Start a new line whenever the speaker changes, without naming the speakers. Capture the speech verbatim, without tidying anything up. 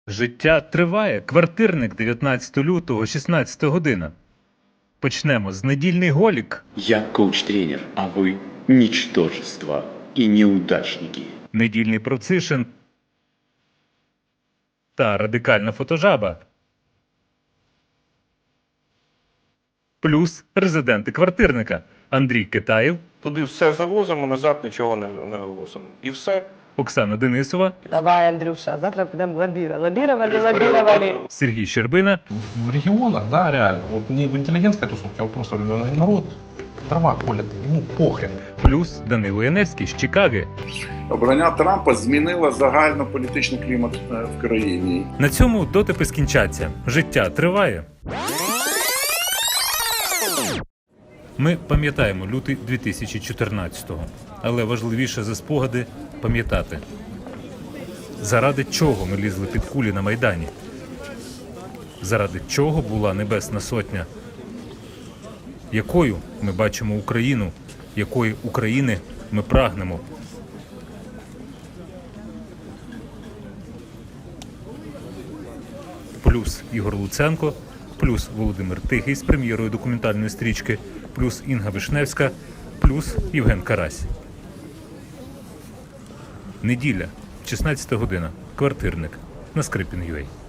Життя триває. Квартирник, дев'ятнадцятого лютого, шістнадцята година. Почнемо з недільний голік.
Я коуч-тренер, а вы – ничтожество и неудачники.
Недільний процишин та радикальна фотожаба. Плюс резиденти квартирника Андрій Китаєв,
Туди все завозимо, назад нічого не, не вивозимо. І все.
Оксана Денисова,
Давай, Андрюша, завтра підемо лабіра. Лабірували, лабірували.
Сергій Щербина,
В регионах, да, реально. Вот не в интеллигентской тусовке, а вот просто народ дрова колет, ему похрен.
плюс Данило Яневський з Чикаги.
Обрання Трампа змінило загальнополітичний клімат е, в країні.
На цьому дотипи скінчаться. Життя триває. Ми пам'ятаємо лютий дві тисячі чотирнадцятого. Але важливіше за спогади – пам'ятати. Заради чого ми лізли під кулі на Майдані? Заради чого була Небесна Сотня? Якою ми бачимо Україну? Якої України ми прагнемо? Плюс Ігор Луценко, плюс Володимир Тихий з прем'єрою документальної стрічки, плюс Інга Вишневська, плюс Євген Карась. Неділя, шістнадцята година. Квартирник на Скрипін.ua.